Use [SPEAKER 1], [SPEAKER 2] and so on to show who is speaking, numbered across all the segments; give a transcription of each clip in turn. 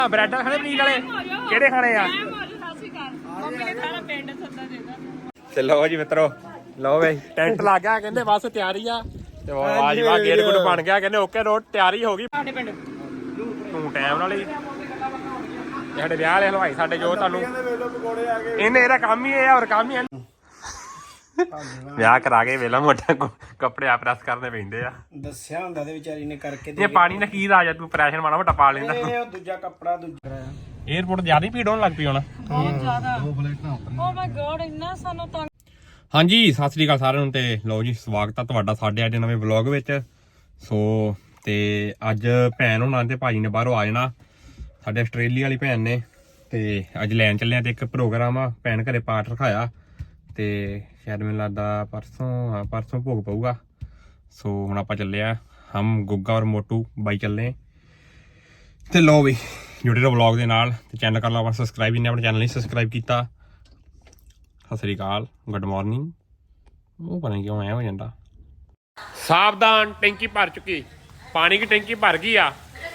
[SPEAKER 1] Bread ਖਾਣੇ ਪਨੀਰ ਵਾਲੇ ਕਿਹੜੇ ਖਾਣੇ ਆ? ਤੇ ਲਓ ਜੀ ਮਿੱਤਰੋ, ਲਓ ਬਈ ਟੈਂਟ ਲੱਗ ਗਿਆ, ਕਹਿੰਦੇ ਬਸ ਤਿਆਰੀ ਆ ਤੇ ਵਾਹ ਜੀ ਵਾਹ ਗੇਟ ਗੁੱਟ ਬਣ ਗਿਆ, ਕਹਿੰਦੇ ਓਕੇ ਰੋਡ ਤਿਆਰੀ ਹੋ ਗਈ। ਸਾਡੇ ਪਿੰਡ ਤੂੰ ਟਾਈਮ ਨਾਲ ਹੀ ਸਾਡੇ ਵਿਆਹ ਵਾਲੇ ਹਲਵਾਈ ਸਾਡੇ ਜੋ ਤੁਹਾਨੂੰ ਇਹਨੇ ਇਹਦਾ ਕੰਮ ਹੀ ਇਹ ਆ, ਹੋਰ ਕੰਮ ਹੀ ਹੈ ਵਿਆਹ ਕਰਾ ਕੇ ਵੇਲਾ ਮੋਟਾ ਕੱਪੜੇ ਆ ਪ੍ਰੈਸ ਕਰਨੇ ਪੈਂਦੇ ਆ।
[SPEAKER 2] ਦੱਸਿਆ ਹੁੰਦਾ ਤੇ ਵਿਚਾਰੀ ਨੇ ਕਰਕੇ
[SPEAKER 1] ਇਹ ਪਾਣੀ ਨਾਲ ਕੀ ਰਾਜ ਤੂੰ ਪ੍ਰੈਸ਼ਰ ਮਾੜਾ ਮੋਟਾ ਪਾ ਲੈਂਦਾ।
[SPEAKER 2] ਇਹ ਦੂਜਾ ਕੱਪੜਾ ਦੂਜਾ
[SPEAKER 1] ਏਅਰਪੋਰਟ ਜ਼ਿਆਦਾ ਹੀ ਭੀੜ ਹੋਣ ਲੱਗ ਪਈ ਹੁਣ।
[SPEAKER 3] ਬਹੁਤ ਜ਼ਿਆਦਾ। ਓ ਮਾਈ ਗॉड ਇੰਨਾ ਸਾਨੂੰ ਤਾਂ।
[SPEAKER 1] ਹਾਂਜੀ ਸਤਿ ਸ੍ਰੀ ਅਕਾਲ ਸਾਰਿਆਂ ਨੂੰ, ਤੇ ਲਓ ਜੀ ਸਵਾਗਤ ਆ ਤੁਹਾਡਾ ਸਾਡੇ ਅੱਜ ਨਵੇਂ ਵਲੌਗ ਵਿੱਚ। ਸੋ ਤੇ ਅੱਜ ਭੈਣ ਹੋਣਾ ਤੇ ਭਾਜੀ ਨੇ ਬਾਹਰੋਂ ਆ ਜਾਣਾ, ਸਾਡੇ ਆਸਟ੍ਰੇਲੀਆ ਵਾਲੀ ਭੈਣ ਨੇ, ਤੇ ਅੱਜ ਲੈਣ ਚੱਲੇ ਆ ਤੇ ਇੱਕ ਪ੍ਰੋਗਰਾਮ ਆ, ਭੈਣ ਘਰੇ ਪਾਠ ਰਖਾਇਆ ਤੇ ਸ਼ਾਇਦ ਮੈਨੂੰ ਲੱਗਦਾ ਪਰਸੋਂ ਭੋਗ ਪਊਗਾ। ਸੋ ਹੁਣ ਆਪਾਂ ਚੱਲੇ ਆ, ਹਮ ਗੁੱਗਾ ਔਰ ਮੋਟੂ ਬਾਈ ਚੱਲੇ ਤੇ ਲਓ ਵੀ ਜੁੜੇ ਰਹੋ ਵਲੌਗ ਦੇ ਨਾਲ ਤੇ ਚੈਨਲ ਕਰ ਲਓ ਆਪਣਾ ਸਬਸਕ੍ਰਾਈਬ, ਜਿਹਨੇ ਆਪਣੇ ਚੈਨਲ ਨਹੀਂ ਸਬਸਕ੍ਰਾਈਬ ਕੀਤਾ। ਸਤਿ ਸ੍ਰੀ ਅਕਾਲ, ਗੁੱਡ ਮਾਰਨਿੰਗ। ਉਹ ਪਤਾ ਨਹੀਂ ਕਿਉਂ ਐ ਹੋ ਜਾਂਦਾ। ਸਾਵਧਾਨ, ਟੈਂਕੀ ਭਰ ਚੁੱਕੀ, ਪਾਣੀ की टैंकी भर गई आ।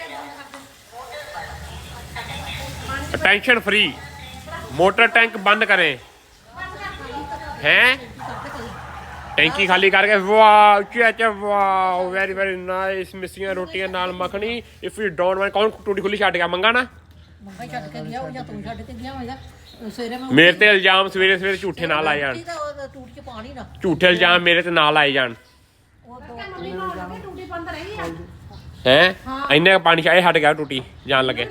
[SPEAKER 1] टेंशन फ्री, मोटर टैंक बंद करें हैं, टैंकी खाली करके। वाह वाह, वेरी वेरी नाइस। मिसियां रोटियां नाल मखनी। इफ यू डोंट वांट, कौन टूटी खुली छड़ गया? मंगा ना मेरे ते इल्जाम सवेरे सवेरे झूठे ना लाए जान, झूठे इल्जाम मेरे ते ना लाए जान है। इन्ने पानी चाहे हट गया टूटी जान लगे।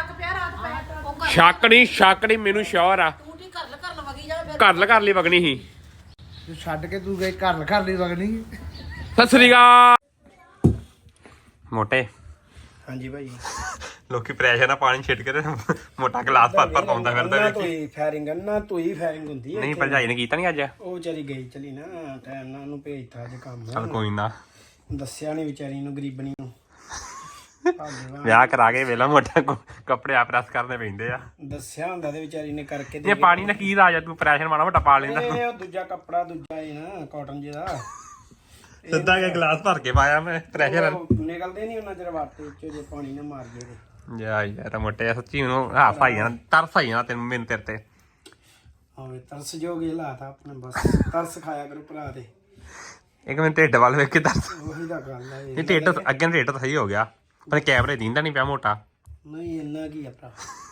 [SPEAKER 1] शक नहीं मैनू श्योर आ, घर ली वगनी ही
[SPEAKER 2] ਛੱਡ ਕੇ ਤੂੰ ਗਏ ਘਰ ਲਈ ਵਗਣੀ।
[SPEAKER 1] ਸਤਿ ਸ੍ਰੀ ਅਕਾਲ ਮੋਟੇ।
[SPEAKER 2] ਹਾਂਜੀ ਭਾਈ,
[SPEAKER 1] ਲੋਕੀ ਪ੍ਰੈਸ਼ਰ ਨਾਲ ਪਾਣੀ ਛਿੱਟ ਕੇ ਤੇ ਮੋਟਾ ਗਲਾਸ ਭਰ ਪਾਉਂਦਾ ਫਿਰਦਾ ਵੇਖੀ।
[SPEAKER 2] ਤੂੰ ਫਾਇਰਿੰਗ ਨਾ, ਤੂੰ ਹੀ ਫਾਇਰਿੰਗ ਹੁੰਦੀ ਹੈ।
[SPEAKER 1] ਨਹੀਂ ਭਰਜਾਈ ਨੇ ਕੀਤਾ ਨਹੀਂ ਅੱਜ,
[SPEAKER 2] ਉਹ ਵਿਚਾਰੀ ਗਈ ਚਲੀ ਨਾ ਟਾਈਮ ਨਾਲ, ਉਹਨੂੰ ਭੇਜਤਾ ਅੱਜ ਕੰਮ।
[SPEAKER 1] ਚਲ ਕੋਈ ਨਾ,
[SPEAKER 2] ਦੱਸਿਆ ਨਹੀਂ ਵਿਚਾਰੀ ਨੂੰ, ਗਰੀਬਣੀ ਨੂੰ।
[SPEAKER 1] ਵਿਆਹ ਕਰਾ ਕੇ ਵੇਲਾ ਮੋਟਾ ਕੱਪੜੇ ਆ ਪ੍ਰੈਸ ਕਰਨੇ ਪੈਂਦੇ ਆ।
[SPEAKER 2] ਦੱਸਿਆ ਹੁੰਦਾ ਤੇ ਵਿਚਾਰੀ ਨੇ ਕਰਕੇ
[SPEAKER 1] ਇਹ ਪਾਣੀ ਨਾਲ ਕੀ ਰਾਜ ਤੂੰ ਪ੍ਰੈਸ਼ਰ ਮਾੜਾ ਮੋਟਾ ਪਾ ਲੈਂਦਾ।
[SPEAKER 2] ਇਹ ਦੂਜਾ ਕੱਪੜਾ ਦੂਜਾ ਹੀ ਨਾ, ਕਾਟਨ ਜਿਹਦਾ
[SPEAKER 1] ਸਿੱਧਾ ਕੇ ਗਲਾਸ ਭਰ ਕੇ ਪਾਇਆ ਮੈਂ, ਪ੍ਰੈਸ਼ਰ
[SPEAKER 2] ਨਿਕਲਦੇ ਨਹੀਂ ਉਹਨਾਂ ਚਿਰ ਵਾਟੇ ਵਿੱਚੋਂ ਜੇ ਪਾਣੀ ਨਾ ਮਾਰ ਜੇ।
[SPEAKER 1] ਜਾ ਯਾਰ ਮੋਟੇ ਸੱਚੀ ਮੈਨੂੰ ਹਾਸ ਆਈ ਜਾਣਾ, ਤਰਸ ਆਈ ਜਾਣਾ ਤੈਨੂੰ, ਮੈਨੂੰ ਤੇਰੇ ਤੇ।
[SPEAKER 2] ਹਾਂ ਤਰਸ ਜੋਗੇ ਲਾਤਾ ਆਪਣੇ, ਬਸ ਤਰਸ ਖਾਇਆ ਕਰੋ ਭਰਾ ਤੇ।
[SPEAKER 1] ਇੱਕ ਮਿੰਟ ਢਿੱਡ ਵੱਲ ਵੇਖ ਕੇ ਦੱਸ।
[SPEAKER 2] ਉਹੀ ਤਾਂ ਗੱਲ ਹੈ।
[SPEAKER 1] ਇਹ ਢਿੱਡ ਅੱਗੇ ਢਿੱਡ ਤਾਂ ਸਹੀ ਹੋ ਗਿਆ, ਪਰ ਕੈਮਰੇ ਦੀਂਦਾ ਨਹੀਂ ਪਿਆ ਮੋਟਾ।
[SPEAKER 2] ਨਹੀਂ ਇੰਨਾ ਕੀ ਆ ਭਰਾ,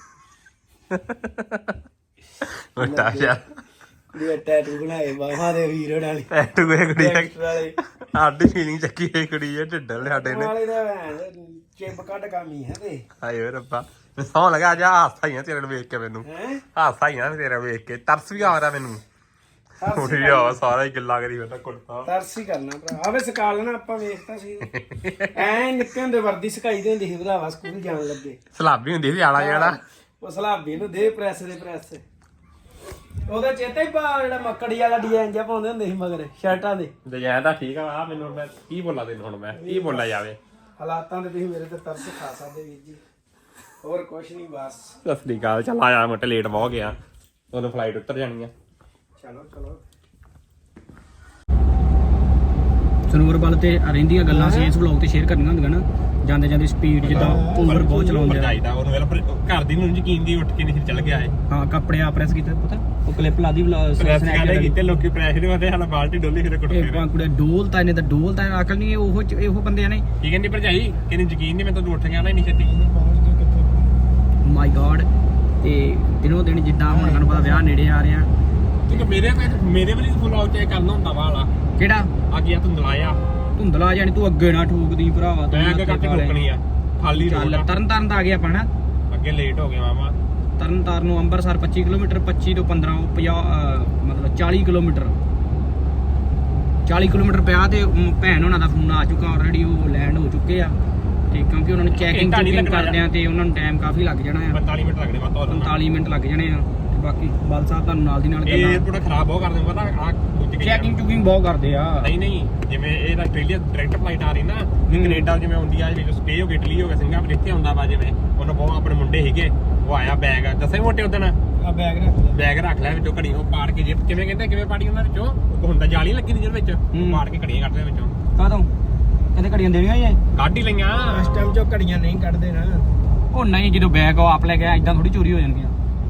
[SPEAKER 1] ਮੋਟਾ ਯਾਰ
[SPEAKER 2] ਇਹ ਟੈਟੂ ਬਣਾਏ ਬਾਹਾਂ ਦੇ ਵੀਰ ਵਾਲੇ,
[SPEAKER 1] ਟੈਟੂ ਇਹ ਕੁੜੀ
[SPEAKER 2] ਵਾਲੇ
[SPEAKER 1] ਸਾਡੀ ਫੀਲਿੰਗ ਚੱਕੀ ਇਹ ਕੁੜੀ ਇਹ ਢਿੱਡ ਵਾਲੇ ਸਾਡੇ ਨੇ।
[SPEAKER 2] ਵਾਲੇ ਦਾ ਚਿਪ ਕੱਢ ਕਾਮੀ ਹੈ ਤੇ।
[SPEAKER 1] ਹਾਏ ਓਏ ਰੱਬਾ, ਮੈਂ ਸੌਂ ਲਗਾ ਜਾ, ਹਾਸਾ ਹੀ ਆ ਤੇਰੇ ਨੂੰ ਵੇਖ ਕੇ ਮੈਨੂੰ, ਹਾਸਾ ਹੀ ਆ ਤੇਰਾ ਵੇਖ ਕੇ, ਤਰਸ ਵੀ ਆ ਰਿਹਾ ਮੈਨੂੰ। ਉੱਠ ਜਾ, ਸਾਰਾ ਹੀ ਗਿੱਲਾ ਕਰੀ ਫਿਰਦਾ ਕੁੜਤਾ।
[SPEAKER 2] ਤਰਸ ਹੀ ਕਰਨਾ ਭਰਾ, ਆਵੇ ਸਕਾ ਲੈਣਾ ਆਪਾਂ, ਵੇਖਤਾ ਸੀ ਐ ਨਿੱਕੇ ਹੁੰਦੇ ਵਰਦੀ ਸਕਾਈ ਦੀ ਹੁੰਦੀ ਸੀ ਭਰਾਵਾ, ਸਕੂਲ ਜਾਣ ਲੱਗੇ
[SPEAKER 1] ਸਲਾਬੀ ਹੁੰਦੀ ਸੀ ਆਲਾ ਜਿਹੜਾ,
[SPEAKER 2] ਉਹ ਸਲਾਬੀ ਨੂੰ ਦੇ ਪ੍ਰੈਸ ਦੇ ਪ੍ਰੈਸ। ਉਹਦਾ ਚੇਤਾ ਹੀ ਪਾ ਜਿਹੜਾ ਮੱਕੜੀ ਵਾਲਾ ਡਿਜ਼ਾਈਨ ਜਿਹਾ ਪਾਉਂਦੇ ਹੁੰਦੇ ਸੀ ਮਗਰ ਸ਼ਰਟਾਂ ਦੇ।
[SPEAKER 1] ਡਿਜ਼ਾਈਨ ਤਾਂ ਠੀਕ ਆ, ਮੈਨੂੰ ਮੈਂ ਕੀ ਬੋਲਾਂ ਤੈਨੂੰ, ਹੁਣ ਮੈਂ ਕੀ ਬੋਲਿਆ ਜਾਵੇ।
[SPEAKER 2] ਹਾਲਾਤਾਂ ਦੇ ਤੁਸੀਂ ਮੇਰੇ ਤੇ ਤਰਸ ਖਾ ਸਕਦੇ ਵੀਰ ਜੀ, ਹੋਰ ਕੁਛ ਨਹੀਂ ਬਸ।
[SPEAKER 1] ਸਤਿ ਸ੍ਰੀ ਅਕਾਲ, ਚੱਲ ਆਇਆ ਮੋਟੇ, ਲੇਟ ਬਹੁਤ ਗਿਆ, ਉਦੋਂ ਫਲਾਈਟ ਉੱਤਰ ਜਾਣੀ ਆ।
[SPEAKER 2] ਚਲੋ ਚਲੋ
[SPEAKER 4] ਸਨੋਵਰ ਵੱਲ ਤੇ ਰਹਿੰਦੀਆਂ ਗੱਲਾਂ ਸੀ ਇਸ ਵਲੌਗ ਤੇ ਸ਼ੇਅਰ ਕਰਨੀਆਂ ਹੁੰਦੀਆਂ ਨਾ, ਜਾਂਦੇ ਜਾਂਦੇ ਸਪੀਡ ਜਿੱਦਾਂ ਓਵਰ ਬਹੁਤ ਚਲਾਉਂਦੇ ਆ।
[SPEAKER 1] ਚਾਹੀਦਾ ਉਹਨੂੰ ਵੇਲੇ ਘਰ ਦੀ ਨੂੰ ਯਕੀਨ ਦੀ ਉੱਠ ਕੇ ਨਹੀਂ ਚੱਲ ਗਿਆ ਏ।
[SPEAKER 4] ਹਾਂ ਕੱਪੜੇ ਆ ਪ੍ਰੈਸ ਕੀਤੇ, ਪਤਾ ਉਹ ਕਲਿੱਪ ਲਾ ਦੀ
[SPEAKER 1] ਪ੍ਰੈਸ ਕਰਦੇ ਕੀਤੇ ਲੋਕੀ, ਪ੍ਰੈਸ਼ਰ ਹੁੰਦੇ ਹਾਲਾ ਬਾਲਟੀ ਡੋਲੀ ਫਿਰ ਕੁੱਟ
[SPEAKER 4] ਇਹ ਕੁੜੇ ਡੋਲਤਾ ਇਹਨੇ ਤਾਂ ਡੋਲਤਾ, ਅਕਲ ਨਹੀਂ ਇਹੋ ਬੰਦੇ ਨੇ।
[SPEAKER 1] ਕੀ ਕਹਿੰਦੀ ਭਰਜਾਈ, ਕਹਿੰਦੀ ਯਕੀਨ ਨਹੀਂ, ਮੈਂ ਤਾਂ ਉੱਠ ਗਿਆ ਨਾ ਇੰਨੀ ਛੇਤੀ।
[SPEAKER 4] My God. ਤੇ ਦਿਨੋਂ ਦਿਨ ਜਿੱਦਾਂ ਹੁਣ ਤੁਹਾਨੂੰ ਪਤਾ ਵਿਆਹ ਨੇੜੇ ਆ ਰਿਹਾ,
[SPEAKER 1] ਕਿਉਂਕਿ ਮੇਰੇ ਵਾਲੀ ਫੁੱਲ ਚੈੱਕ ਕਰਨਾ ਹੁੰਦਾ ਵਾਲਾ
[SPEAKER 4] ਕਿਹੜਾ
[SPEAKER 1] ਆ ਗਿਆ
[SPEAKER 4] ਧੁੰਦਲਾ ਜਾਣੀ ਤੂੰ ਅੱਗੇ ਨਾ ਠੋਕਦੀ ਭਰਾਵਾ, ਤੂੰ
[SPEAKER 1] ਅੱਗੇ ਕੱਟ ਠੋਕਣੀ ਆ ਖਾਲੀ
[SPEAKER 4] ਚੱਲ। ਤਰਨ ਦਾ ਆ ਗਿਆ ਪਾਣਾ,
[SPEAKER 1] ਅੱਗੇ ਲੇਟ ਹੋ ਗਿਆ ਮਾਮਾ।
[SPEAKER 4] ਤਰਨ ਨੂੰ ਅੰਮ੍ਰਿਤਸਰ 25 ਕਿਲੋਮੀਟਰ, 25 ਤੋਂ 15 ਮਤਲਬ 40 ਕਿਲੋਮੀਟਰ 40 ਕਿਲੋਮੀਟਰ ਪਿਆ। ਤੇ ਭੈਣ ਉਹਨਾਂ ਦਾ ਫੋਨ ਆ ਚੁੱਕਾ ਆਲਰੇਡੀ, ਉਹ ਲੈਂਡ ਹੋ ਚੁੱਕੇ ਆ। ਤੇ ਕਿਉਂਕਿ ਉਹਨਾਂ ਨੂੰ ਚੈਕਿੰਗ ਕਰਦੇ ਆ ਤੇ ਉਹਨਾਂ ਨੂੰ ਟਾਈਮ ਕਾਫੀ ਲੱਗ ਜਾਣਾ ਆ,
[SPEAKER 1] 45 ਮਿੰਟ ਲੱਗਣੇ,
[SPEAKER 4] 45 ਮਿੰਟ ਲੱਗ ਜਾਣੇ ਆ। ਬਾਕੀ ਬਲ ਸਾਹਿਬ ਤੁਹਾਨੂੰ ਨਾਲ ਦੀ ਨਾਲ
[SPEAKER 1] ਏਅਰਪੋਰਟ ਖਰਾਬ ਬਹੁਤ ਕਰਦੇ, ਪਤਾ ਆ
[SPEAKER 4] ਚੈਕਿੰਗ ਚੁਕਿੰਗ ਬਹੁਤ ਕਰਦੇ ਆ।
[SPEAKER 1] ਨਹੀਂ ਜਿਵੇਂ ਇਹ ਆਸਟ੍ਰੇਲੀਆ ਡਾਇਰੈਕਟ ਫਲਾਈਟ ਆ ਰਹੀ ਨਾ, ਕੈਨੇਡਾ ਜਿਵੇਂ ਹੁੰਦੀ ਆ, ਜਿਵੇਂ ਸਟੇ ਹੋ ਗਿਆ, ਇਟਲੀ ਹੋ ਗਿਆ, ਸਿੰਗਾਪੁਰ ਇੱਥੇ ਹੁੰਦਾ ਵਾ। ਜਿਵੇਂ ਉਹਨੂੰ ਬਹੁਤ ਆਪਣੇ ਮੁੰਡੇ ਸੀਗੇ, ਉਹ ਆਇਆ ਬੈਗ ਦੱਸੇ ਮੋਟੇ ਉਦਣ
[SPEAKER 2] ਆ ਬੈਗ ਰੱਖ
[SPEAKER 1] ਲਿਆ ਵਿੱਚੋਂ ਘੜੀ, ਉਹ ਪਾੜ ਕੇ ਜੇ ਕਿਵੇਂ ਕਹਿੰਦੇ ਕਿਵੇਂ ਪਾੜੀ ਉਹਨਾਂ ਵਿੱਚੋਂ, ਉਹ ਹੁੰਦਾ ਜਾਲੀ ਲੱਗੀ ਜਿਹਦੇ ਵਿੱਚ, ਪਾੜ ਕੇ ਘੜੀਆਂ ਕੱਢਦੇ ਵਿੱਚੋਂ।
[SPEAKER 4] ਕਾਹਤੋਂ ਕਹਿੰਦੇ ਘੜੀਆਂ ਦੇਣੀਆਂ ਹੀ
[SPEAKER 1] ਕੱਢ ਹੀ ਲਈਆਂ
[SPEAKER 2] ਇਸ ਟਾਈਮ ਚੋਂ ਘੜੀਆਂ ਨਹੀਂ ਕੱਢਦੇ ਨਾ,
[SPEAKER 4] ਉਹ ਨਹੀਂ ਜਦੋਂ ਬੈਗ ਉਹ ਆਪ ਲੈ ਗਿਆ ਇਦਾਂ ਥੋੜੀ ਚੋਰੀ ਹੋ ਜਾਣਗੀਆਂ।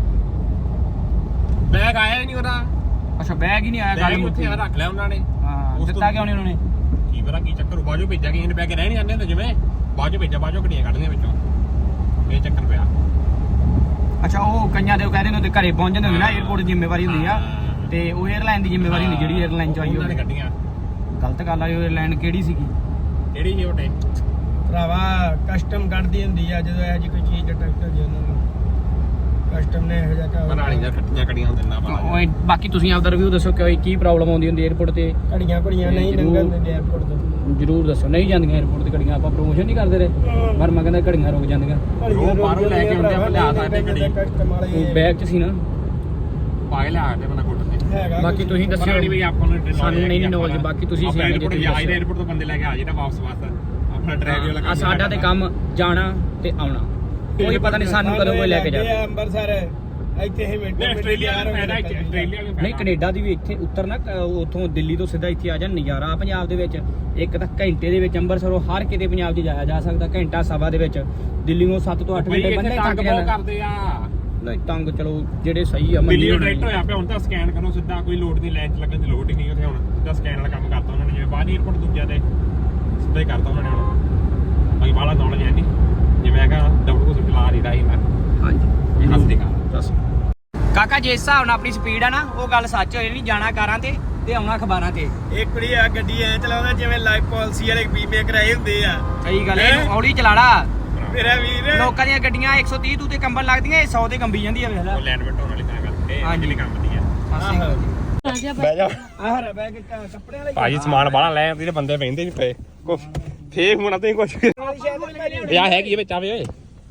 [SPEAKER 1] ਬੈਗ ਆਇਆ ਹੀ ਨਹੀਂ ਉਹਦਾ।
[SPEAKER 4] ਅੱਛਾ ਬੈਗ ਹੀ ਨਹੀਂ ਆਇਆ, ਗੱਲ ਮੁੱਕੀ।
[SPEAKER 1] ਰੱਖ ਲਿਆ ਉਹਨਾਂ ਨੇ।
[SPEAKER 4] ਹਾਂ ਦਿੱਤਾ ਕਿਉਂ ਨਹੀਂ ਉਹਨਾਂ ਨੇ?
[SPEAKER 1] ਕੀ ਪਤਾ ਕੀ ਚੱਕਰ, ਬਾਜੋ ਭੇਜਿਆ ਕਿਸੇ ਨੇ, ਬੈਗ ਰਹਿ ਨਹੀਂ ਜਾਂਦੇ ਹੁੰਦੇ ਜਿਵੇਂ ਬਾਜੋ ਭੇਜਿਆ, ਬਾਜੋ ਘੜੀਆਂ ਕੱਢਦੀਆਂ ਵਿੱਚੋਂ, ਇਹ ਚੱਕਰ ਪਿਆ।
[SPEAKER 4] ਅੱਛਾ ਉਹ ਕਈਆਂ ਦੇ ਉਹ ਕਹਿੰਦੇ ਨੇ ਉਹਦੇ ਘਰੇ ਪਹੁੰਚ ਜਾਂਦੇ ਹੁੰਦੇ ਨਾ, 에어ਪੋਰਟ ਦੀ ਜ਼ਿੰਮੇਵਾਰੀ ਹੁੰਦੀ ਆ ਤੇ ਉਹ 에ਅਰਲਾਈਨ ਦੀ ਜ਼ਿੰਮੇਵਾਰੀ ਹੁੰਦੀ ਜਿਹੜੀ 에ਅਰਲਾਈਨ ਚ ਆਈ
[SPEAKER 1] ਉਹਨਾਂ ਨੇ ਕੱਢੀਆਂ।
[SPEAKER 4] ਗਲਤ ਗੱਲ ਆ। 에ਅਰਲਾਈਨ ਕਿਹੜੀ ਸੀਗੀ?
[SPEAKER 1] ਕਿਹੜੀ ਜੀ ਉਹਟੇ
[SPEAKER 2] ਭਰਾਵਾ ਕਸਟਮ ਕੱਢਦੀ ਹੁੰਦੀ ਆ ਜਦੋਂ ਇਹ ਜੀ ਕੋਈ ਚੀਜ਼ ਡਿਟੈਕਟ ਹੋ ਜੇ ਉਹਨਾਂ ਨੂੰ, ਕਸਟਮ ਨੇ ਇਹੋ ਜਿਹਾ ਕੰਮ
[SPEAKER 1] ਮਨਾਲੀ ਦੀਆਂ ਕੱਟੀਆਂ ਕੜੀਆਂ ਦਿੰਦਾ
[SPEAKER 4] ਉਹ ਬਾਕੀ ਤੁਸੀਂ ਆਪਦਾ ਰਿਵਿਊ ਦੱਸੋ ਕਿ ਕੀ ਪ੍ਰੋਬਲਮ ਆਉਂਦੀ ਹੁੰਦੀ 에ਅਰਪੋਰਟ ਤੇ?
[SPEAKER 2] ਘੜੀਆਂ ਘੜੀਆਂ ਨਹੀਂ ਲੰਘਣ ਦਿੰਦੇ 에어ਪੋਰਟ ਤੋਂ।
[SPEAKER 4] ਜਰੂਰ ਦੱਸੋ। ਨਹੀਂ ਜਾਂਦੀਆਂ 에ਅਰਪੋਰਟ ਤੇ ਘੜੀਆਂ, ਆਪਾਂ ਪ੍ਰੋਮੋਸ਼ਨ ਨਹੀਂ ਕਰਦੇ ਰਹੇ ਪਰ ਮੈਂ ਕਹਿੰਦਾ ਘੜੀਆਂ ਰੁਕ ਜਾਂਦੀਆਂ।
[SPEAKER 1] ਉਹ ਬਾਹਰੋਂ ਲੈ ਕੇ ਆਉਂਦੇ ਆ, ਲਿਆ ਸਕਦੇ ਘੜੀ।
[SPEAKER 2] ਕਸਟਮ ਵਾਲੇ
[SPEAKER 4] ਉਹ ਬੈਗ 'ਚ ਸੀ ਨਾ,
[SPEAKER 1] ਪਾਏ ਲਿਆ ਕੇ ਬਣਾ ਗੁੱਟ ਤੇ।
[SPEAKER 2] ਹੈਗਾ
[SPEAKER 4] ਬਾਕੀ ਤੁਸੀਂ ਦੱਸਿਓ।
[SPEAKER 1] ਨਹੀਂ ਬਈ ਆਪਾਂ ਨੂੰ
[SPEAKER 4] ਸਾਨੂੰ ਨਹੀਂ ਨੌਲੇਜ, ਬਾਕੀ ਤੁਸੀਂ ਸਿਆਣੇ ਜੇ ਤੁਸੀਂ
[SPEAKER 1] ਆਈ 에어ਪੋਰਟ ਤੋਂ ਬੰਦੇ ਲੈ ਕੇ ਆ ਜੀ ਨਾ ਵਾਪਸ ਆਪਣਾ ਡਰਾਈਵਰ ਵਾਲਾ
[SPEAKER 4] ਆ ਸਾਡਾ ਤੇ ਕੰਮ ਜਾਣਾ ਤੇ ਆਉਣਾ, ਕੋਈ ਪਤਾ ਨਹੀਂ ਸਾਨੂੰ ਕਦੋਂ ਕੋਈ ਲੈ ਕੇ ਜਾਵੇ।
[SPEAKER 2] ਅੰਮ੍ਰਿਤਸਰ ਇੱਥੇ ਹੀ ਮਿੰਟ
[SPEAKER 1] ਆਸਟ੍ਰੇਲੀਆ ਨੂੰ
[SPEAKER 4] ਨਹੀਂ ਕੈਨੇਡਾ ਦੀ ਵੀ ਇੱਥੇ ਉਤਰਨਾ, ਉੱਥੋਂ ਦਿੱਲੀ ਤੋਂ ਸਿੱਧਾ ਇੱਥੇ ਆ ਜਾ। ਨਜ਼ਾਰਾ ਪੰਜਾਬ ਦੇ ਵਿੱਚ ਇੱਕ ਤਾਂ ਘੰਟੇ ਦੇ ਵਿੱਚ ਅੰਮ੍ਰਿਤਸਰੋਂ ਹਰ ਕਿਤੇ ਪੰਜਾਬ 'ਚ ਜਾਇਆ ਜਾ ਸਕਦਾ, ਘੰਟਾ ਸਵਾ ਦੇ ਵਿੱਚ। ਦਿੱਲੀ ਨੂੰ 7 ਤੋਂ 8 ਘੰਟੇ ਬੰਦੇ
[SPEAKER 1] ਤੰਗ
[SPEAKER 4] ਥੱਕ
[SPEAKER 1] ਬਹੁਤ
[SPEAKER 4] ਜਾਂਦਾ।
[SPEAKER 1] ਕਰਦੇ ਆ।
[SPEAKER 4] ਨਹੀਂ ਤੰਗ ਚਲੋ ਜਿਹੜੇ ਸਹੀ ਆ
[SPEAKER 1] ਦਿੱਲੀ ਨੂੰ ਡਾਇਰੈਕਟ ਹੋਇਆ ਪਿਆ ਹੁਣ ਤਾਂ ਸਕੈਨ ਕਰੋ ਸਿੱਧਾ, ਕੋਈ ਲੋਡ ਨਹੀਂ, ਲਾਈਨ 'ਚ ਲੱਗਣ ਦੀ ਲੋੜ ਹੀ ਨਹੀਂ ਉੱਥੇ ਹੁਣ, ਸਿੱਧਾ ਸਕੈਨ ਵਾਲਾ ਕੰਮ ਕਰਤਾ ਉਹਨਾਂ ਨੇ, ਜਿਵੇਂ ਬਾਹਰ 에어ਪੋਰਟ ਦੂਜਿਆਂ ਤੇ ਸਿੱਧਾ ਹੀ ਕਰਤਾ ਉਹਨਾਂ ਨੇ ਹੁਣ। ਬਾਕੀ ਬਾਹਲਾ ਨੌਲੇਜ ਹੈ ਨਹੀਂ, ਜਿਵੇਂ ਹੈਗਾ ਡਬਲ ਕੋ ਚਲਾ ਨਹੀਂ ਰਹੀ ਮੈਂ।
[SPEAKER 4] ਹਾਂਜੀ
[SPEAKER 1] ਹੱਸਦੀ ਕਾ
[SPEAKER 4] ਦੱਸ ਕਾਕਾ, ਜਿਸ ਹਿਸਾਬ ਨਾਲ ਆਪਣੀ ਸਪੀਡ ਆ ਨਾ, ਉਹ ਗੱਲ ਸੱਚ ਹੋਈ ਨਹੀਂ। ਜਾਣਾ ਕਾਰਾਂ ਤੇ ਆਉਣਾ ਅਖਬਾਰਾਂ ਤੇ।
[SPEAKER 2] ਇੱਕ ਕੁੜੀ ਆ ਗੱਡੀ ਐ ਚਲਾਉਂਦਾ ਜਿਵੇਂ ਲਾਈਫ ਪਾਲਿਸੀ ਵਾਲੇ ਬੀਮੇ ਕਰਾਏ ਹੁੰਦੇ ਆ।
[SPEAKER 4] ਸਹੀ ਗੱਲ ਹੈ, ਹੌਲੀ ਚਲਾੜਾ।
[SPEAKER 2] ਮੇਰਾ ਵੀਰ
[SPEAKER 4] ਲੋਕਾਂ ਦੀਆਂ ਗੱਡੀਆਂ 130 ਤੂੰ ਤੇ ਕੰਬਣ ਲੱਗਦੀਆਂ, ਇਹ 100 ਤੇ ਕੰਬੀ ਜਾਂਦੀ ਆ। ਵੇਖ ਲੈ
[SPEAKER 1] ਉਹ ਲੈਂਡ ਬੈਠਣ ਵਾਲੀ ਤਾਂ ਕਰਕੇ ਇਹ ਅਗਲੀ ਕੰਮ ਦੀ ਆ।
[SPEAKER 3] ਬਹਿ ਜਾ।
[SPEAKER 2] ਆਹ ਬੈਗ ਕੱਪੜੇ ਵਾਲੇ
[SPEAKER 1] ਭਾਜੀ ਸਮਾਨ ਬਾਹਲਾ ਲੈ ਆਉਂਦੇ, ਬੰਦੇ ਬਹਿੰਦੇ ਨਹੀਂ ਪਏ ਕੋ ਫੇਕ ਹੋਣਾ ਤੇ ਕੁਝ ਯਾ ਹੈ ਕੀ ਵਿੱਚ ਆਵੇ ਓਏ।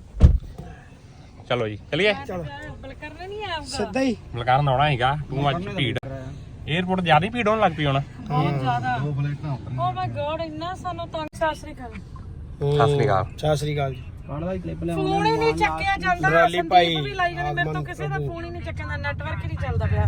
[SPEAKER 1] ਚਲੋ ਜੀ ਚਲੀਏ।
[SPEAKER 3] ਬਲਕਰਨ ਨਹੀਂ ਆਊਗਾ
[SPEAKER 2] ਸਿੱਧਾ ਹੀ
[SPEAKER 1] ਮਲਕਾਰਨ ਆਉਣਾ ਹੈਗਾ। ਤੂੰ ਅੱਜ ਭੀੜ 에어ਪੋਰਟ ਜ਼ਿਆਦਾ ਹੀ ਭੀੜ ਹੋਣ ਲੱਗ ਪਈ ਹੁਣ।
[SPEAKER 3] ਬਹੁਤ ਜ਼ਿਆਦਾ। ਓ ਮਾਈ ਗॉड ਇੰਨਾ ਸਾਨੂੰ ਤੰਗ। ਸਤਿ ਸ੍ਰੀ ਅਕਾਲ।
[SPEAKER 1] ਸਤਿ ਸ੍ਰੀ ਅਕਾਲ।
[SPEAKER 2] ਸਤਿ ਸ੍ਰੀ ਅਕਾਲ ਜੀ।
[SPEAKER 3] ਫੋਨ ਹੀ ਨਹੀਂ ਚੱਕਿਆ ਜਾਂਦਾ।
[SPEAKER 2] ਟਰਾਲੀ ਭਾਈ
[SPEAKER 3] ਸੰਦੀਪ ਵੀ ਲਾਈ ਜਾਂਦੀ, ਮੇਰੇ ਤੋਂ ਕਿਸੇ ਦਾ ਫੋਨ ਹੀ ਨਹੀਂ ਚੱਕਿਆ, ਨੈਟਵਰਕ ਹੀ ਨਹੀਂ ਚੱਲਦਾ ਪਿਆ।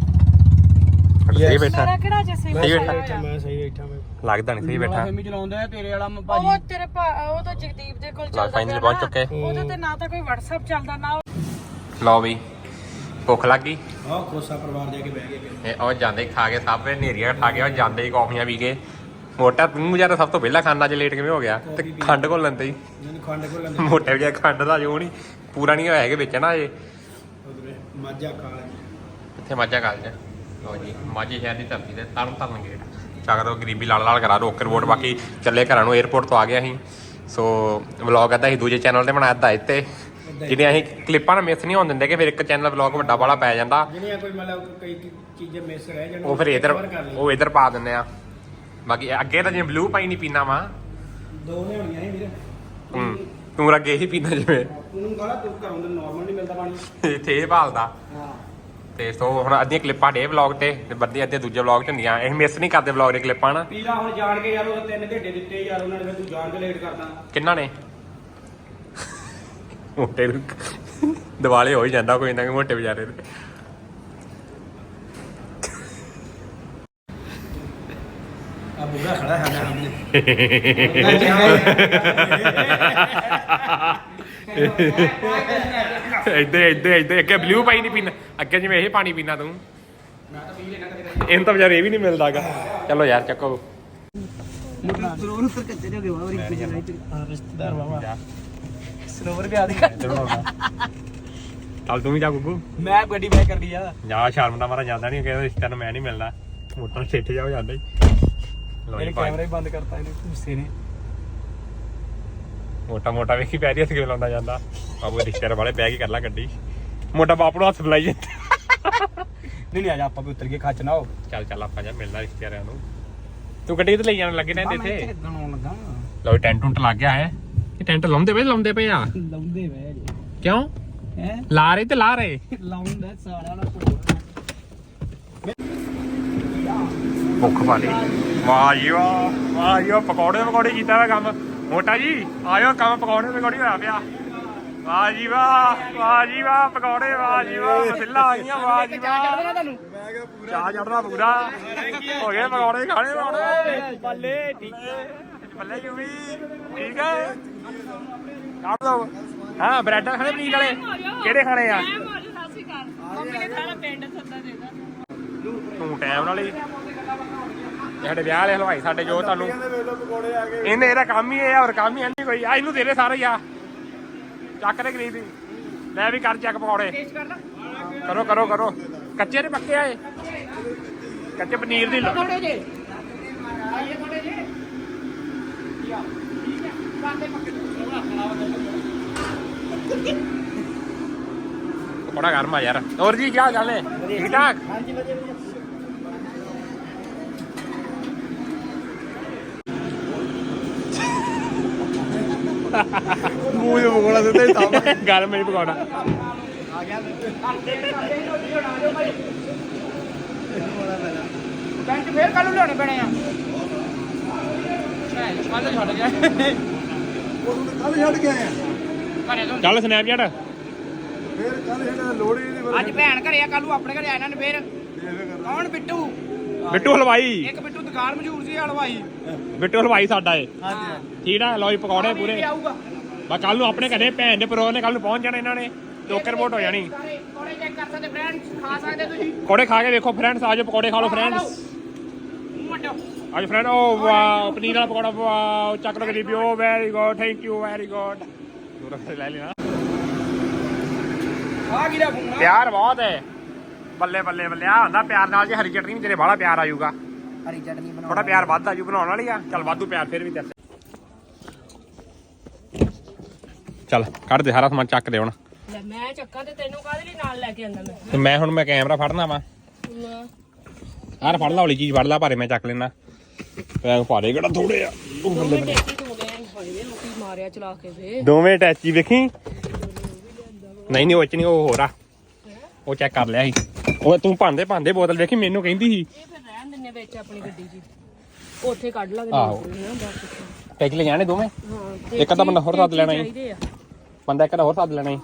[SPEAKER 1] ਸਹੀ ਬੈਠਾ
[SPEAKER 3] ਮੇਰਾ ਕਿਹੜਾ ਜੇ ਸਹੀ
[SPEAKER 1] ਸਹੀ ਬੈਠਾ।
[SPEAKER 3] ਬੈਠਾ।
[SPEAKER 2] ਮੈਂ ਸਹੀ ਬੈਠਾ ਮੈਂ
[SPEAKER 1] ਲੱਗਦਾ ਨਹੀਂ ਸਹੀ ਬੈਠਾ।
[SPEAKER 4] ਫੇਮੀ ਚਲਾਉਂਦਾ ਤੇਰੇ ਵਾਲਾ
[SPEAKER 3] ਉਹ ਤੇਰੇ ਉਹ ਤਾਂ ਜਗਦੀਪ ਦੇ ਕੋਲ ਚੱਲਦਾ
[SPEAKER 1] ਫਾਈਨਲੀ ਪਹੁੰਚ ਚੁੱਕੇ।
[SPEAKER 3] ਉਹਦੇ ਤੇ ਨਾ ਤਾਂ ਕੋਈ WhatsApp ਚੱਲਦਾ ਨਾ।
[SPEAKER 1] ਲਓ ਵੀ ਭੁੱਖ ਲੱਗ ਗਈ।
[SPEAKER 2] ਆਹ ਖੋਸਾ ਪਰਿਵਾਰ ਜਾ ਕੇ ਬਹਿ ਗਏ।
[SPEAKER 1] ਇਹ ਉਹ ਜਾਂਦੇ ਖਾ ਕੇ ਸਭ ਨੇਰੀਆਂ ਖਾ ਕੇ ਉਹ ਜਾਂਦੇ ਹੀ ਕੌਫੀਆਂ ਪੀ ਕੇ। ਮੋਟਾ ਤੂੰ ਵਿਚਾਰਾ ਸਭ ਤੋਂ ਪਹਿਲਾਂ ਖਾਣਾ, ਅੱਜ ਲੇਟ ਕਿਵੇਂ ਹੋ ਗਿਆ? ਤੇ ਖੰਡ ਘੋਲ ਲੈਂਦੇ ਹੀ।
[SPEAKER 2] ਮੈਨੂੰ ਖੰਡ ਕੋਲ ਲੰਦੇ
[SPEAKER 1] ਮੋਟੇ ਵਿਚਾਰੇ ਖੰਡ ਦਾ ਜੋ ਨਹੀਂ ਪੂਰਾ ਨਹੀਂ ਹੋਇਆ ਹੈਗੇ ਵਿੱਚ ਨਾ ਇਹ।
[SPEAKER 2] ਮਾਝਾ ਖਾ ਲੈ
[SPEAKER 1] ਇੱਥੇ ਮਾਝਾ ਕਾਲਜ। ਲਓ ਜੀ ਮਾਝੇ ਸ਼ਹਿਰ ਦੀ ਧਰਤੀ ਤੇ ਤਰਨ ਤਾਰਨ ਗੇਟ ਚੱਕ ਦੋ, ਗਰੀਬੀ ਲਾਲ ਲਾਲ ਕਰਾ ਰੋਕ ਰਿਪੋਰਟ। ਬਾਕੀ ਚੱਲੇ ਘਰਾਂ ਨੂੰ, 에어ਪੋਰਟ ਤੋਂ ਆ ਗਿਆ ਅਸੀਂ। ਸੋ ਵਲੌਗ ਅੱਧਾ ਅਸੀਂ ਦੂਜੇ ਚੈਨਲ ਤੇ ਬਣਾਇਆ, ਅੱਧਾ ਇੱਥੇ। ਜਿਹੜੀਆਂ ਅਸੀਂ ਕਲਿੱਪਾਂ ਨਾ ਮਿਸ ਨਹੀਂ ਹੋਣ ਦਿੰਦੇ ਕਿ ਫਿਰ ਇੱਕ ਚੈਨਲ ਵਲੌਗ ਵੱਡਾ ਵਾਲਾ ਪੈ ਜਾਂਦਾ,
[SPEAKER 2] ਜਿਹੜੀਆਂ ਕੋਈ ਮਤਲਬ ਕਈ ਚੀਜ਼ਾਂ ਮਿਸ ਰਹਿ ਜਾਣ
[SPEAKER 1] ਉਹ ਫਿਰ ਇਧਰ ਪਾ ਦਿੰਦੇ ਆ। ਬਾਕੀ ਅੱਗੇ ਤਾਂ ਜਿਵੇਂ ਬਲੂ ਪਾਈ ਨਹੀਂ ਪੀਣਾ ਵਾ,
[SPEAKER 2] ਦੋ ਲਿਆਉਣੀਆਂ ਸੀ ਵੀਰ।
[SPEAKER 1] ਤੂੰ ਅੱਗੇ ਹੀ ਪੀਣਾ ਜਿਵੇਂ
[SPEAKER 2] ਉਹਨੂੰ ਕਹਣਾ ਤੂੰ ਘਰੋਂ ਦੇ ਨਾਰਮਲ ਨਹੀਂ ਮਿਲਦਾ ਪਾਣੀ।
[SPEAKER 1] ਇੱਥੇ ਇਹ ਭਾਲਦਾ।
[SPEAKER 2] ਹਾਂ
[SPEAKER 1] ਤੇ ਸੋ ਹੁਣ ਅੱਧੀਆਂ ਕਲਿੱਪਾਂ ਡੇ ਵਲੌਗ ਤੇ ਬੱਦੀਆਂ ਅੱਧੀਆਂ ਦੂਜੇ ਵਲੌਗ ਚ ਹੁੰਦੀਆਂ। ਅਸੀਂ ਮਿਸ ਨਹੀਂ ਕਰਦੇ ਵਲੌਗ ਦੇ ਕਲਿੱਪਾਂ ਨਾ।
[SPEAKER 2] ਪੀਲਾ ਹੁਣ ਜਾਣ ਕੇ ਯਾਰ ਉਹ 3 ਘੰਟੇ ਦਿੱਤੇ ਯਾਰ ਉਹਨਾਂ ਨੇ, ਫਿਰ ਤੂੰ ਜਾਣ ਕੇ ਲੇਟ ਕਰਦਾ।
[SPEAKER 1] ਕਿੰਨਾ ਨੇ ਮੋਟੇ ਨੂੰ ਦਿਵਾਲੇ ਹੋ ਹੀ ਜਾਂਦਾ ਕੋਈ ਨਾ ਕੋਈ ਮੋਟੇ ਵਿਚਾਰੇ ਦੇ।
[SPEAKER 2] ਆ ਬੁੱਗਾ ਖੜਾ ਹੈ ਸਾਹਮਣੇ।
[SPEAKER 1] ਇੱਧੇ ਅੱਗੇ ਬਲੂ ਪਾਈ ਨਹੀਂ ਪੀਣਾ, ਅੱਗੇ ਜਿਵੇਂ ਇਹ ਪਾਣੀ ਪੀਣਾ ਤੂੰ।
[SPEAKER 2] ਮੈਂ ਤਾਂ ਪੀ ਲੈਣਾ ਕਦੇ।
[SPEAKER 1] ਇਹਨੂੰ ਤਾਂ ਵਿਚਾਰੇ ਇਹ ਵੀ ਨਹੀਂ ਮਿਲਦਾਗਾ। ਚਲੋ ਯਾਰ ਚੱਕੋ।
[SPEAKER 4] ਸਰੋਵਰ ਉੱਪਰ ਕੱਚੇ ਹੋ ਗਏ ਵਾਹ
[SPEAKER 2] ਰਿਸ਼ਤੇਦਾਰ ਬਾਬਾ
[SPEAKER 4] ਸਰੋਵਰ ਵੀ ਆਦੀ
[SPEAKER 1] ਚੱਲ ਤੂੰ ਵੀ ਜਾ ਗੁੱਗੂ।
[SPEAKER 4] ਮੈਂ ਗੱਡੀ ਬੈਕ ਕਰ ਲਈ ਆ।
[SPEAKER 1] ਜਾ ਸ਼ਰਮ ਦਾ ਮਾਰਾ ਜਾਂਦਾ ਨਹੀਂ, ਕਹਿੰਦਾ ਰਿਸ਼ਤਾ ਨੂੰ ਮੈਂ ਨਹੀਂ ਮਿਲਦਾ। ਮੋਟਰ ਛੇਠ ਜਾਓ ਜਾਂਦਾ ਹੀ। ਲੋ ਜੀ
[SPEAKER 4] ਕੈਮਰਾ ਹੀ ਬੰਦ ਕਰਤਾ ਇਹਨੇ ਗੁੱਸੇ ਨੇ।
[SPEAKER 1] ਮੋਟਾ ਵੇਖੀ ਪੈਰੀ ਹੱਥ ਕਿਵੇਂ ਲਾਉਂਦਾ ਜਾਂਦਾ। ਬਾਬੂ ਰਿਸ਼ਤੇਦਾਰ ਵਾਲੇ ਬਹਿ ਕੇ ਕਰ ਲਾ ਗੱਡੀ। ਮੋਟਾ ਬਾਪ ਨੂੰ ਹੱਥ ਬੁਲਾਈ ਜਾਂਦਾ।
[SPEAKER 4] ਨਹੀਂ ਆ ਜਾ ਆਪਾਂ ਵੀ ਉਤਰ ਕੇ ਖੱਚ ਨਾ ਹੋ।
[SPEAKER 1] ਚੱਲ ਆਪਾਂ ਜਾ ਮਿਲਣਾ ਰਿਸ਼ਤੇਦਾਰਾਂ ਨੂੰ। ਤੂੰ ਗੱਡੀ ਤੇ ਲਈ ਜਾਣ ਲੱਗੇ ਨੇ ਇੱਥੇ।
[SPEAKER 4] ਗਣਾਉਣ ਲੱਗਾ
[SPEAKER 1] ਲੋ ਟੈਂਟ ਟੁੰਟ ਲੱਗ ਗਿਆ ਹੈ। ਇਹ ਟੈਂਟ ਲਾਉਂਦੇ ਪਏ ਆ।
[SPEAKER 4] ਲਾਉਂਦੇ ਵੇ
[SPEAKER 1] ਕਿਉਂ
[SPEAKER 4] ਹੈ
[SPEAKER 1] ਲਾ ਰਹੇ ਤੇ ਲਾ ਰਹੇ
[SPEAKER 4] ਲਾਉਂਦਾ ਸਾਰਾ ਨਾ
[SPEAKER 1] ਭੁੱਖ ਵਾਲੀ। ਵਾਹ ਜੀ ਵਾਹ ਪਕੌੜੇ ਕੀਤਾ ਵਾ ਕੰਮ। ਮੋਟਾ ਜੀ ਆਇਓ, ਕੰਮ ਪਕੌੜੇ ਹੋਇਆ ਪਿਆ। ਵਾਹ ਜੀ ਵਾਹ ਪਕੌੜੇ। ਵਾਹ ਜੀ ਵਾਹ ਮਸਿੱਲਾ ਆ ਗਈਆਂ। ਵਾਹ ਜੀ ਵਾਹ ਚਾਹ ਚੜਦਾ ਪੂਰਾ ਹੋ ਗਿਆ। ਪਕੌੜੇ ਖਾਣੇ
[SPEAKER 4] ਬੱਲੇ
[SPEAKER 1] ਬੱਲੇ ਕਿਉਂ ਵੀ ਠੀਕ ਹੈ। ਕੱਢ ਦੋ ਹਾਂ ਬ੍ਰੈਡ ਖਾਣੇ ਪਨੀਰ ਵਾਲੇ ਕਿਹੜੇ ਖਾਣੇ ਆ
[SPEAKER 3] ਮੰਮੀ ਨੇ ਸਾਰਾ ਪਿੰਡ ਸੱਦਾ ਦੇਦਾ
[SPEAKER 1] ਤੂੰ ਟਾਈਮ ਨਾਲ ਹੀ ਸਾਡੇ ਵਿਆਹ ਵਾਲੇ ਹਲਵਾਈ ਸਾਡੇ ਜੋ ਤੁਹਾਨੂੰ ਇਹਨੇ ਇਹਦਾ ਕੰਮ ਹੀ ਇਹ ਆ, ਹੋਰ ਕੰਮ ਹੀ ਨਹੀਂ ਕੋਈ ਆ। ਇਹਨੂੰ ਦੇ ਦੇ ਸਾਰੇ ਹੀ ਆ, ਚੱਕ ਦੇ ਗਰੀਬ ਦੀ। ਲੈ ਵੀ ਕਰ ਚੱਕ ਪਕੌੜੇ, ਕਰੋ ਕਰੋ ਕਰੋ। ਕੱਚੇ ਨੇ ਪੱਕੇ ਆਏ, ਕੱਚੇ ਪਨੀਰ ਦੀ ਪਕੌੜਾ ਗਰਮ ਆ ਯਾਰ। ਹੋਰ ਜੀ ਕੀ ਹਾਲ ਹੈ? ਠੀਕ ਠਾਕ।
[SPEAKER 2] ਮੂੰਹ ਨੂੰ ਪਕੌੜਾ ਦਿੱਤਾ ਹੀ ਤਾਂ
[SPEAKER 1] ਗਰਮ ਨਹੀਂ ਪਕੌੜਾ।
[SPEAKER 4] ਬੈਂਚ ਫੇਰ ਕੱਲ ਨੂੰ ਲਿਆਉਣੇ ਪੈਣੇ ਆ। ਕੱਲ ਛੱਡ ਗਿਆ
[SPEAKER 2] ਕੱਲ ਛੱਡ ਕੇ ਆਏ ਆ
[SPEAKER 4] ਘਰੇ ਤੋਂ।
[SPEAKER 1] ਚੱਲ ਸਨੈਪਚੈਟ
[SPEAKER 2] ਫੇਰ ਕੱਲ ਛੱਡ ਲੋੜ ਹੀ ਨਹੀਂ।
[SPEAKER 4] ਅੱਜ ਭੈਣ ਘਰੇ ਆ, ਕੱਲ ਨੂੰ ਆਪਣੇ ਘਰੇ ਆ ਇਹਨਾਂ ਨੇ ਫੇਰ। ਕੌਣ? ਬਿੱਟੂ।
[SPEAKER 1] ਬਿੱਟੂ ਹਲਵਾਈ।
[SPEAKER 4] ਇੱਕ ਬਿੱਟੂ ਦੁਕਾਨ ਮਸ਼ਹੂਰ ਸੀ ਹਲਵਾਈ।
[SPEAKER 1] ਬਿੱਟੂ ਹਲਵਾਈ ਸਾਡਾ ਏ।
[SPEAKER 2] ਹਾਂਜੀ
[SPEAKER 1] ਠੀਕ ਆ, ਲਓ ਜੀ ਪਕੌੜੇ ਪੂਰੇ।
[SPEAKER 4] ਆਊਗਾ
[SPEAKER 1] ਬਸ ਕੱਲ ਨੂੰ ਆਪਣੇ ਘਰੇ ਭੈਣ ਦੇ ਪਰੋ ਨੇ ਕੱਲ ਨੂੰ ਪਹੁੰਚ ਜਾਣਾ ਇਹਨਾਂ ਨੇ, ਟੋਕਰ ਵੋਟ ਹੋ ਜਾਣੀ।
[SPEAKER 4] ਕੋੜੇ ਚੈੱਕ ਕਰ ਸਕਦੇ ਫਰੈਂਡਸ, ਖਾ ਸਕਦੇ ਤੁਸੀਂ।
[SPEAKER 1] ਪਕੌੜੇ ਖਾ ਕੇ ਵੇਖੋ ਫਰੈਂਡਸ, ਆਜੋ ਪਕੌੜੇ ਖਾ ਲਓ ਫਰੈਂਡਸ। ਅੱਜ ਫਰੈਂਡ ਓ ਵਾਓ ਪਨੀਰ ਵਾਲਾ ਪਕੌੜਾ, ਵਾਓ ਚੱਕ ਲੋ ਗਰੀਬੀ। Oh very good, thank you very good. ਦੂਰ ਲੈ ਲੈਣਾ।
[SPEAKER 4] ਆ ਗਿਰਾ ਫੋਨ।
[SPEAKER 1] ਪਿਆਰ ਬਹੁਤ ਹੈ, ਬੱਲੇ ਬੱਲੇ ਬੱਲੇ। ਆ ਹੁੰਦਾ ਪਿਆਰ ਨਾਲ ਜੇ ਹਰੀ ਚਟਨੀ ਤੇਰੇ ਬਾਹਲਾ ਪਿਆਰ ਆਜੂਗਾ,
[SPEAKER 4] ਹਰੀ ਚਟਨੀ ਬਣਾ।
[SPEAKER 1] ਥੋੜਾ ਪਿਆਰ ਵੱਧ ਆਜੂ ਬਣਾਉਣ ਵਾਲੀ ਆ। ਚੱਲ ਵਾਧੂ ਪਿਆਰ ਫਿਰ ਵੀ ਤੇਰੇ। ਚੱਲ ਕੱਢ ਦੇ ਸਾਰਾ ਸਮਾਨ, ਚੱਕ ਦੇ ਹੁਣ।
[SPEAKER 3] ਲੈ ਮੈਂ ਚੱਕਾ ਤੇ ਤੈਨੂੰ ਕਾਹਦੇ ਲਈ ਨਾਲ ਲੈ ਕੇ ਆਂਦਾ ਮੈਂ?
[SPEAKER 1] ਤੇ ਮੈਂ ਕੈਮਰਾ ਫੜਨਾ ਵਾ। ਆਹ ਫੜ ਲਾ, ਹੌਲੀ ਚੀਜ਼ ਫੜ ਲਾ, ਭਾਰੇ ਮੈਂ ਚੱਕ ਲੈਣਾ। ਪੈਗ ਭਾਰੇ ਕਿਹੜਾ ਥੋੜੇ ਆ।
[SPEAKER 3] ਦੋਵੇਂ ਟੇਕੀ ਤੋਂ ਗਏ ਹੋਏ ਵੇ ਲੋਕੀ ਮਾਰਿਆ ਚਲਾ ਕੇ ਵੇ।
[SPEAKER 1] ਦੋਵੇਂ ਟੈਚੀ ਵੇਖੀ। ਨਹੀਂ ਉਹ ਚ ਨਹੀਂ, ਉਹ ਹੋਰ ਆ। ਉਹ ਚੈੱਕ ਕਰ ਲਿਆ ਸੀ ਉਹ। ਤੂੰ ਭਾਂਦੇ ਬੋਤਲ ਵੇਖੀ, ਮੈਨੂੰ ਕਹਿੰਦੀ ਸੀ।
[SPEAKER 3] ਇਹ ਫਿਰ ਰਹਿਣ ਦਿੰਨੇ ਵਿੱਚ ਆਪਣੀ ਗੱਡੀ 'ਚ, ਉੱਥੇ ਕੱਢ ਲਾਂਗੇ।
[SPEAKER 1] ਆਹੋ। ਟੈਚ ਲੈ ਜਾਣੇ ਦੋਵੇਂ।
[SPEAKER 3] ਹਾਂ
[SPEAKER 1] ਇੱਕ ਅੱਧਾ ਬੰਦਾ ਹੋਰ ਸੱਦ ਲੈਣਾ ਸੀ,
[SPEAKER 3] ਚਾਹੀਦੇ ਆ।
[SPEAKER 1] ਬੰਦਾ ਇੱਕ ਦਾ ਹੋਰ ਸੱਦ ਲੈਣਾ ਸੀ।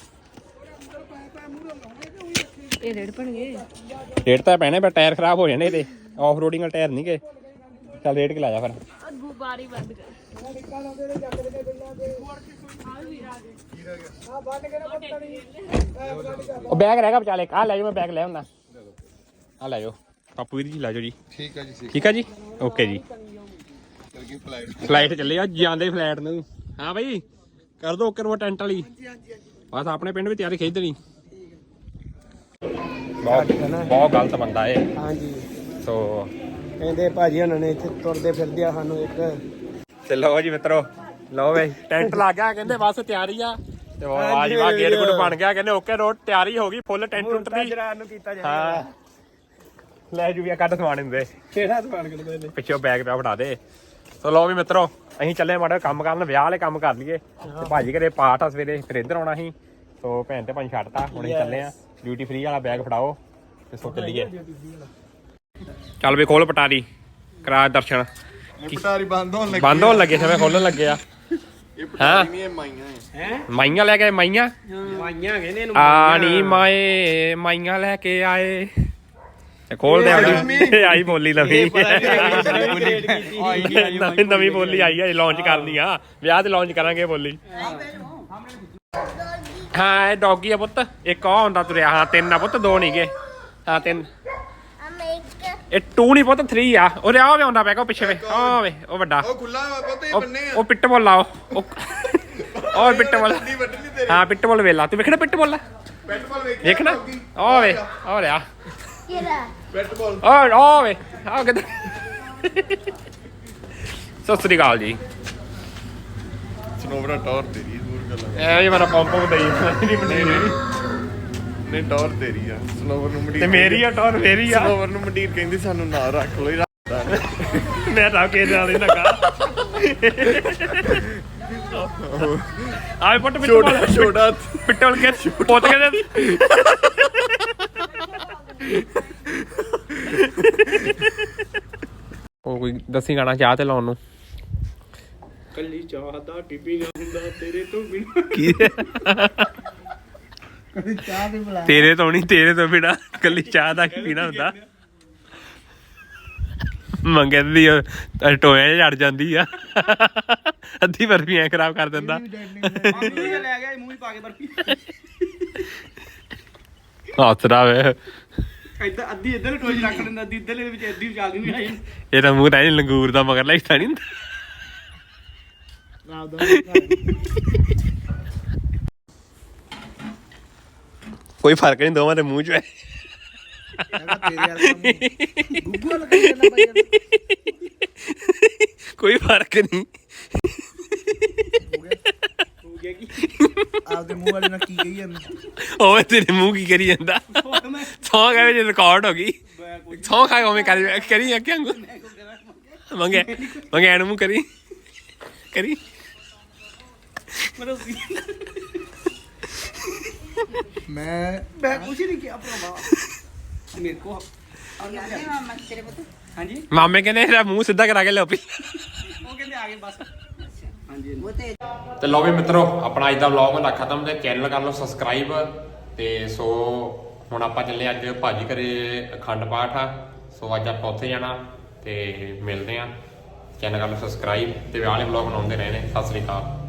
[SPEAKER 3] ਇਹ ਰੇੜ ਪਣਗੇ।
[SPEAKER 1] ਰੇਟ ਤਾਂ ਪੈਣੇ, ਪਰ ਟਾਇਰ ਖਰਾਬ ਹੋ ਜਾਣੇ ਇਹਦੇ। ਆਫ ਰੋਡਿੰਗ ਵਾਲੇ ਟਾਇਰ ਨਹੀਂ ਗਏ। ਚੱਲ ਰੇਟ ਕਿ ਲਾ ਜਾ ਫਿਰ।
[SPEAKER 3] ਅੱਗੂ ਬਾਰੀ ਬੰਦ ਕਰ।
[SPEAKER 1] ਉਹ ਬੈਗ ਰਹਿ ਗਿਆ ਵਿਚਾਲੇ, ਆਹ ਲੈ ਜਾਓ। ਮੈਂ ਬੈਗ ਲੈ ਆਉਂਦਾ, ਆਹ ਲੈ ਜਾਓ। ਪਾਪੂ ਵੀਰ ਜੀ ਲੈ ਜਾਓ ਜੀ।
[SPEAKER 2] ਠੀਕ ਆ ਜੀ।
[SPEAKER 1] ਠੀਕ ਆ ਜੀ, ਓਕੇ ਜੀ। ਫਲਾਈਟ ਚੱਲੇ ਆ, ਜਾਂਦੇ ਫਲਾਈਟ ਨੂੰ। ਹਾਂ ਬਈ ਕਰ ਦੋ ਓਕੇ। ਟੈਂਟ ਵਾਲੀ ਬਸ ਆਪਣੇ ਪਿੰਡ ਵੀ ਤਿਆਰੀ ਖਿੱਚ ਦੇਣੀ। ਬਹੁਤ ਗਲਤ ਬੰਦਾ ਏ।
[SPEAKER 2] ਹਾਂਜੀ
[SPEAKER 1] ਸੋ
[SPEAKER 2] ਕਹਿੰਦੇ ਭਾਜੀ ਉਹਨਾਂ ਨੇ ਇੱਥੇ ਤੁਰਦੇ ਫਿਰਦੇ ਆ ਸਾਨੂੰ ਇੱਕ।
[SPEAKER 1] ਤੇ ਲਓ ਜੀ ਮਿੱਤਰੋ, ਲਓ ਬਈ ਟੈਂਟ ਲੱਗ ਗਿਆ। ਕਹਿੰਦੇ ਬਸ ਤਿਆਰੀ ਆ। ਤੇ ਉਹ ਆਵਾਜ਼ ਵਾ ਗੇਟ ਗੁੱਟ ਬਣ ਗਿਆ। ਕਹਿੰਦੇ ਓਕੇ ਰੋਡ ਤਿਆਰੀ ਹੋ ਗਈ ਫੁੱਲ। ਟੈਂਟ ਟੁੰਟ ਦੀ
[SPEAKER 2] ਨੂੰ ਕੀਤਾ ਜਾ।
[SPEAKER 1] ਹਾਂ ਲੈ ਜੂ ਵੀ ਕੱਢ ਸਮਾਨ ਹੁੰਦੇ
[SPEAKER 2] ਕਿਹੜਾ ਦੁਕਾਨ ਕਿਹੜੇ ਨੇ
[SPEAKER 1] ਪਿੱਛੋਂ ਬੈਗ ਪਿਆ ਫੜਾ ਦੇ। ਸੋ ਲਓ ਵੀ ਮਿੱਤਰੋ, ਅਸੀਂ ਚੱਲੇ ਮਾੜਾ ਕੰਮ ਕਰਨ, ਵਿਆਹ ਵਾਲੇ ਕੰਮ ਕਰ ਲਈਏ। ਤੇ ਭਾਜੀ ਘਰੇ ਪਾਠ ਆ ਸਵੇਰੇ, ਫਿਰ ਇੱਧਰ ਆਉਣਾ ਸੀ। ਸੋ ਭੈਣ ਤੇ ਭਾਈ ਛੱਡਤਾ, ਹੁਣ ਅਸੀਂ ਚੱਲੇ ਆ। ਡਿਊਟੀ ਫ੍ਰੀ ਵਾਲਾ ਬੈਗ ਫੜਾਓ ਤੇ ਸੋ ਚੱਲੀਏ। ਚੱਲ ਵੀ ਖੋਲ ਪਟਾਰੀ, ਕਰਾ ਦਰਸ਼ਨ।
[SPEAKER 2] ਪਟਾਰੀ ਬੰਦ
[SPEAKER 1] ਹੋਣ ਲੱਗੇ ਸਮੇਂ ਖੋਲਣ ਲੱਗੇ ਆ। ਹਾਂ
[SPEAKER 2] ਹੈ
[SPEAKER 1] ਮਾਈਆਂ ਲੈ ਕੇ ਆਏ, ਮਾਈਆਂ
[SPEAKER 2] ਮਾਈਆਂ ਕਹਿੰਦੇ
[SPEAKER 1] ਆਣੀ ਮਾਏ, ਮਾਈਆਂ ਲੈ ਕੇ ਆਏ। ਤੇ ਖੋਲਦੇ ਆਈ ਬੋਲੀ ਨਵੀਂ ਨਵੀਂ ਬੋਲੀ ਆਈ ਹੈ, ਲਾਂਚ ਕਰਨੀ ਆ। ਵਿਆਹ ਤੇ ਲਾਂਚ ਕਰਾਂਗੇ ਬੋਲੀ। ਹਾਂ ਇਹ ਡੌਗੀ ਆ ਪੁੱਤ। ਇੱਕ ਆ ਹੁੰਦਾ ਤੁਰਿਆ। ਹਾਂ 3 ਆ ਪੁੱਤ, 2 ਨਹੀਂ ਗਏ। ਹਾਂ 3 ਇਹ 2 ਨਹੀਂ ਪੁੱਤ, 3 ਆ। ਉਹ ਰਿਹਾ ਵੀ ਆਉਂਦਾ ਪਿਆ ਉਹ ਪਿੱਛੇ ਵੇ। ਆ ਵੇ ਉਹ ਵੱਡਾ,
[SPEAKER 2] ਉਹ ਖੁੱਲਾ ਪੁੱਤ ਇਹ ਬੰਨੇ ਆ।
[SPEAKER 1] ਉਹ ਪਿੱਟ ਬੋਲ ਆ। ਉਹ ਪਿੱਟ ਬੋਲ। ਹਾਂ ਪਿੱਟ ਬੋਲ ਵੇਲਾ। ਤੂੰ ਵੇਖਣਾ ਪਿੱਟ ਬੋਲ ਵੇਖਣਾ। ਆ ਵੇ ਆ ਰਿਹਾ
[SPEAKER 2] ਬੈਟ ਬਾਲ।
[SPEAKER 1] ਆ ਵੇ ਆ ਕਿੱਧਰ। ਸਤਿ ਸ੍ਰੀ ਅਕਾਲ ਜੀ।
[SPEAKER 2] ਸਨੋਵਰਾ ਟੌਰ ਤੇਰੀ ਦੂਰ ਗੱਲ
[SPEAKER 1] ਐ ਮੇਰਾ ਪੰਪ ਦਈ
[SPEAKER 2] ਨਹੀਂ ਟੌਰ ਤੇਰੀ ਆ। ਸਨੋਵਰ ਨੂੰ ਮੰਡੀਰ
[SPEAKER 1] ਤੇ ਮੇਰੀ ਆ ਟੌਰ ਮੇਰੀ ਆ।
[SPEAKER 2] ਸਨੋਵਰ ਨੂੰ ਮੰਡੀਰ ਕਹਿੰਦੀ ਸਾਨੂੰ ਨਾ ਰੱਖ ਲੋ।
[SPEAKER 1] ਮੈਂ ਤਾਂ ਕੇ ਨਾਲ ਹੀ ਲੱਗਾ। ਆਏ ਪੁੱਟ
[SPEAKER 2] ਛੋਟਾ
[SPEAKER 1] ਪਿੱਟਲ ਕੇ ਪੁੱਤ ਕੇ ਉਹ ਕੋਈ ਦੱਸੀ ਗਾਣਾ ਚਾਹ ਤੇ ਲਾਉਣ ਨੂੰ।
[SPEAKER 2] ਕੱਲੀ ਚਾਹ ਦਾ ਟਿੱਪੀ ਨਾ ਹੁੰਦਾ ਤੇਰੇ ਤੋਂ ਬਿਨਾਂ।
[SPEAKER 1] ਕੀ
[SPEAKER 2] ਕਦੀ ਚਾਹ ਵੀ ਬੁਲਾ।
[SPEAKER 1] ਤੇਰੇ ਤੋਂ ਨਹੀਂ, ਤੇਰੇ ਤੋਂ ਬਿਨਾਂ ਕੱਲੀ ਚਾਹ ਦਾ ਕੀ ਪੀਣਾ ਹੁੰਦਾ। ਮੰਗੇ ਦੀ ਟੋਏ ਚੜ ਜਾਂਦੀ ਆ ਅੱਧੀ ਬਰਫੀ ਐ ਖਰਾਬ ਕਰ ਦਿੰਦਾ
[SPEAKER 4] ਲੈ ਗਿਆ ਮੂੰਹ ਹੀ ਪਾ ਕੇ ਬਰਫੀ
[SPEAKER 1] ਹੱਸਦਾ ਵੇ
[SPEAKER 4] ਇੱਧਰ ਅੱਧੀ ਇੱਧਰ ਟੋਏ 'ਚ ਰੱਖ ਲੈਂਦਾ ਅੱਧੀ ਇੱਧਰਲੇ ਵਿੱਚ ਅੱਧੀ ਵਿਚਾਲ ਨਹੀਂ ਆਈ
[SPEAKER 1] ਇਹ ਤਾਂ ਮੂੰਹ ਤਾਂ ਲੰਗੂਰ ਦਾ ਮਗਰ ਲੱਗਦਾ ਨਹੀਂ ਕੋਈ ਫਰਕ ਨਹੀਂ ਦੋਵਾਂ ਦੇ ਮੂੰਹ 'ਚ ਹੈ ਕੋਈ ਫਰਕ ਨਹੀਂ
[SPEAKER 2] ਆਪਦੇ ਮੂੰਹ ਵਾਲੇ ਨਾਲ ਕੀ ਕਹੀ ਜਾਂਦਾ
[SPEAKER 1] ਓਏ ਤੇਰੇ ਮੂੰਹ ਕੀ ਕਰੀ ਜਾਂਦਾ ਸੌਂ ਗਏ ਜੇ ਰਿਕਾਰਡ ਹੋ ਗਈ ਸੌਂ ਖਾਏ ਉਵੇਂ ਕਰੀ ਅੱਗੇ ਵਾਂਗੂ ਮੰਗੇ ਇਹਨੂੰ ਮੂੰਹ ਕਰੀ
[SPEAKER 2] ਮੈਂ ਕੁਛ ਨਹੀਂ ਕਿਹਾ ਭਰਾਵਾ
[SPEAKER 4] ਮੇਰੇ ਕੋ ਹਾਂਜੀ
[SPEAKER 1] ਮਾਮੇ ਕਹਿੰਦੇ ਇਹਦਾ ਮੂੰਹ ਸਿੱਧਾ ਕਰਾ ਕੇ ਲਿਓ ਪੀ
[SPEAKER 4] ਉਹ ਕਹਿੰਦੇ ਆ ਗਏ ਬਸ ਹਾਂਜੀ
[SPEAKER 1] ਤੇ ਲਓ ਵੀ ਮਿੱਤਰੋ ਆਪਣਾ ਅੱਜ ਦਾ ਵਲੌਗ ਹੁੰਦਾ ਖਤਮ ਤੇ ਚੈਨਲ ਕਰ ਲਓ ਸਬਸਕ੍ਰਾਈਬ ਤੇ ਸੋ ਹੁਣ ਆਪਾਂ ਚੱਲੇ ਅੱਜ ਭਾਜੀ ਘਰੇ ਅਖੰਡ ਪਾਠ ਆ ਸੋ ਅੱਜ ਆਪਾਂ ਉੱਥੇ ਜਾਣਾ ਤੇ ਮਿਲਦੇ ਆ ਚੈਨਲ ਕਰ ਲਓ ਸਬਸਕ੍ਰਾਈਬ ਤੇ ਵਿਆਹ ਵਾਲੇ ਵਲੌਗ ਬਣਾਉਂਦੇ ਰਹੇ ਨੇ ਸਤਿ ਸ੍ਰੀ ਅਕਾਲ